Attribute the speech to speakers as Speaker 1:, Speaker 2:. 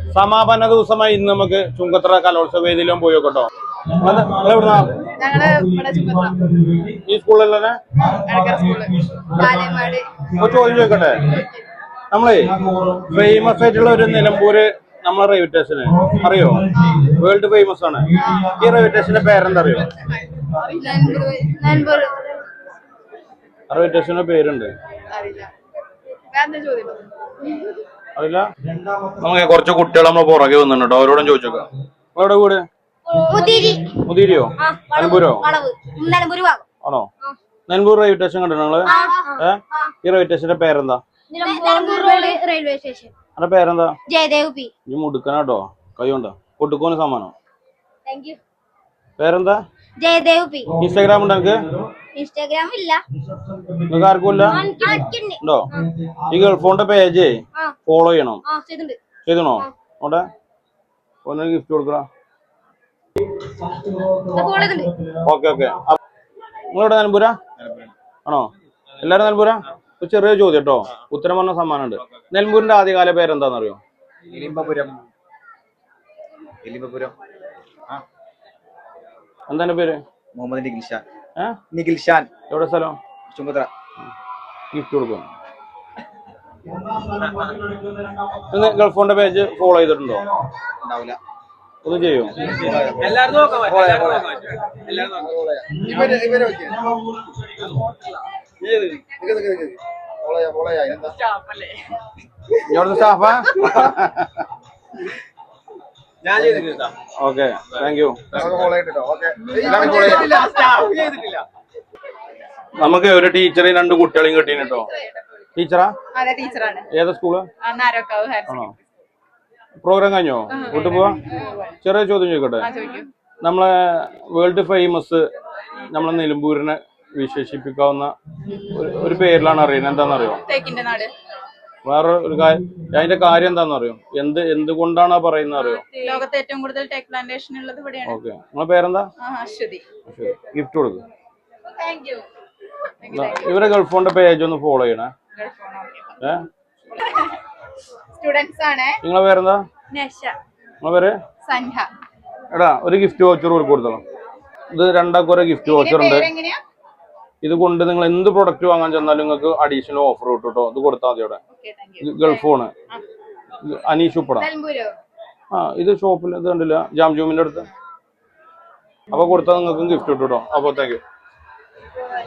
Speaker 1: സമാപന ദിവസമായി ഇന്ന് നമുക്ക് ചുങ്കത്തറ കലോത്സവ വേദിയിലും പോയി നോക്കട്ടോ. ഈ സ്കൂളിൽ തന്നെ ചോദ്യം ചോദിക്കട്ടെ. നമ്മളെ ഫേമസ് ആയിട്ടുള്ള ഒരു നിലമ്പൂര് നമ്മളെ റെയിൽവേ സ്റ്റേഷന് അറിയോ? വേൾഡ് ഫേമസ് ആണ്. ഈ റെയിൽവേ സ്റ്റേഷന്റെ പേരെന്താ അറിയോ? റെയിൽവേ സ്റ്റേഷന്റെ പേരുണ്ട്, അറിയില്ല. നമുക്ക് കുറച്ച് കുട്ടികൾ നമ്മൾ പുറകെ വന്നിട്ടോ, അവരോടും ചോദിച്ചോക്കാം. എവിടെ വീട്? മുതിരിയോ? നിലമ്പൂരോ? ആണോ? നിലമ്പൂർ റെയിൽവേ സ്റ്റേഷൻ കണ്ടോ നിങ്ങള്? ഈ റെയിൽവേ സ്റ്റേഷന്റെ പേരെന്താ? അതിന്റെ പേരെന്താ? ഈ മുടുക്കനാട്ടോ, കൈ കൊണ്ടോ കൊട്ടുക്കോന് സമ്മാനം. പേരെന്താ? ഇൻസ്റ്റാഗ്രാം ഉണ്ടോ നിനക്ക്?
Speaker 2: ഇൻസ്റ്റാഗ്രാം ഇല്ല.
Speaker 1: നിങ്ങൾക്ക് ആർക്കും ഇല്ല? ഉണ്ടോ? ഈ ഗൾഫോണിന്റെ പേജ് ഫോളോ ചെയ്യണം. ചെയ്തണോ? അവിടെ ഒന്ന് ഗിഫ്റ്റ് കൊടുക്കണ. Okay okay. നിങ്ങളെവിടെ? നിലമ്പൂരാ ആണോ? എല്ലാരും നിലമ്പൂരാ? ഒരു ചെറിയ ചോദ്യം കേട്ടോ, ഉത്തരം പറഞ്ഞ സമ്മാനം ഉണ്ട്. നിലമ്പൂരിന്റെ ആദ്യകാല പേരെന്താണെന്നറിയോ? എന്താണ് പേര്?
Speaker 3: മുഹമ്മദ് നിഖിൽഷാൻ. നിഖിൽഷാൻ.
Speaker 1: എവിടെ സ്ഥലം?
Speaker 3: ചുങ്കത്തറ.
Speaker 1: ഗിഫ്റ്റ് കൊടുക്കും. ഗൾഫോണിന്റെ പേജ് ഫോളോ ചെയ്തിട്ടുണ്ടോ?
Speaker 3: ഉണ്ടാവില്ല.
Speaker 1: ഒന്ന് ചെയ്യോ? ഇവിടുത്തെ സ്റ്റാഫാ? Okay, thank you. നമുക്ക് ഒരു ടീച്ചറേയും 2 കുട്ടികളെയും കിട്ടീന് കേട്ടോ. ടീച്ചറാ? ഏതാ സ്കൂള്? ആണോ? പ്രോഗ്രാം കഴിഞ്ഞോ? വീട്ടിൽ പോവാ? ചെറിയ ചോദ്യം ചോദിക്കട്ടെ. നമ്മളെ വേൾഡ് ഫേമസ് നമ്മളെ നിലമ്പൂരിനെ വിശേഷിപ്പിക്കാവുന്ന ഒരു പേരിലാണ് അറിയുന്നത്. എന്താണെന്നറിയോ? വേറെ ഒരു കാര്യം, അതിന്റെ കാര്യം എന്താണെന്നറിയോ? എന്തുകൊണ്ടാണ് പറയുന്നത് അറിയോ?
Speaker 4: ലോകത്തെ ഏറ്റവും കൂടുതൽ ടെക് പ്ലാന്റേഷൻ ഉള്ളത് ഇവിടെയാണ്.
Speaker 1: ഓക്കെ, നിങ്ങളെ പേരെന്താ?
Speaker 4: അശ്വതി.
Speaker 1: ഗിഫ്റ്റ് കൊടുക്കും. ഇവരെ ഗൾഫോണിന്റെ പേജ് ഒന്ന് ഫോളോ ചെയ്യണേ.
Speaker 4: സ്റ്റുഡൻസ് ആണ്.
Speaker 1: നിങ്ങളെ പേരെന്താ? നിങ്ങളെ പേര്? എടാ, ഒരു ഗിഫ്റ്റ് വൗച്ചർ കൊടുത്തോളാം. ഇത് 2 ഒരു ഗിഫ്റ്റ് വൗച്ചർ ഉണ്ട്. ഇത് കൊണ്ട് നിങ്ങൾ എന്ത് പ്രൊഡക്റ്റ് വാങ്ങാൻ ചെന്നാലും നിങ്ങൾക്ക് അഡീഷണൽ ഓഫർ കിട്ടും കേട്ടോ. ഇത് കൊടുത്താൽ മതി. അവിടെ ഗൾഫോണ് അനീഷ് ഉപ്പട. ഇത് ഷോപ്പിൽ ഇത് കണ്ടില്ല, ജാംജൂമിന്റെ അടുത്ത്. അപ്പൊ കൊടുത്താൽ നിങ്ങൾക്ക് ഗിഫ്റ്റ് കിട്ടും കേട്ടോ. അപ്പൊ താങ്ക് യു.